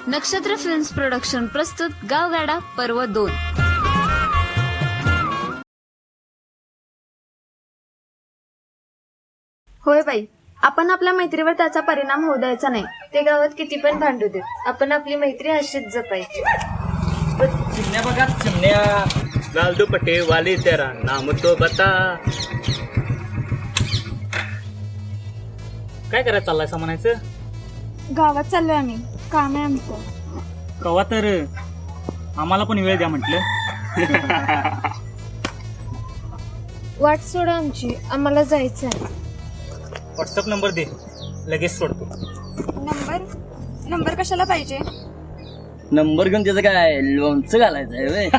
नक्षत्र films production प्रस्तुत गावगाडा पर्व 2. होय बाई, आपण आपल्या मैत्रीवर त्याचा परिणाम होऊ द्यायचा नाही. ते गावात किती पण भांडू देत, आपण आपली मैत्री अशीच जपायची. चिमण्या बघा चिमण्या, लाल दुपट्टे वाले तेरा नाम तो बता. काय करायचं चाललाय असं म्हणायचं? गावात चाललोय आम्ही, काम आहे आमचं. कवा तर आम्हाला पण वेळ द्या म्हटलं. वाट सोडा आमची, आम्हाला जायचं आहे. व्हॉट्सअप नंबर दे, लगेच सोडतो. नंबर कशाला पाहिजे? नंबर घेऊन त्याचं काय लोणचं घालायचं आहे व्हय?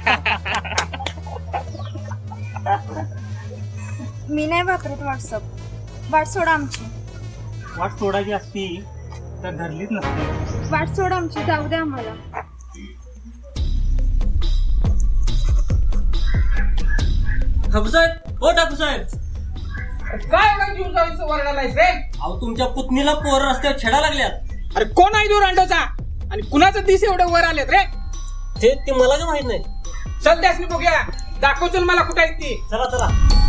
मी नाही वापरत व्हॉट्सअप. वाट सोडा आमची. वाट सोडायची असती तर धरलीच नसती. वाट सोडा आमची, जाऊ द्या आम्हाला. ठाकूसाहेब, ओ ठाकूसाहेब, काय एवढा जीव जायचं वरडालायस रे? अहो तुमच्या पुतणीला पोर रस्त्यावर छेडा लागल्यात. अरे कोण आहे दूर अंडोचा आणि कुणाचं दिस एवढे वर आलेत रे? ते मला काय माहित नाही. चल त्यासनी बघूया, दाखव चल मला कुठे आहेत ती. चला चला.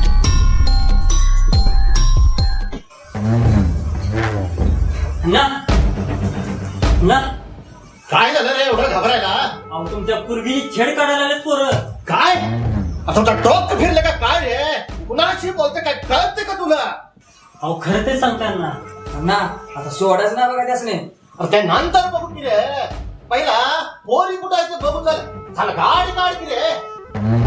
ना काय झालं रे एवढं घाबरायला? अहो तुमच्या पूर्वीची छेड काढायला लागलेत पोरं. काय आता तुमचा डोकं फिरलं का काय रे? कुणाशी बोलते काय कळते का तुला? अहो खरं ते सांगताय ना. ना आता सोडायचं ना बघा त्यासने. अरे त्या नंतर बघू की रे, पहिला पोरी कुठं आहे ते बघू. चल गाडी काढ की रे.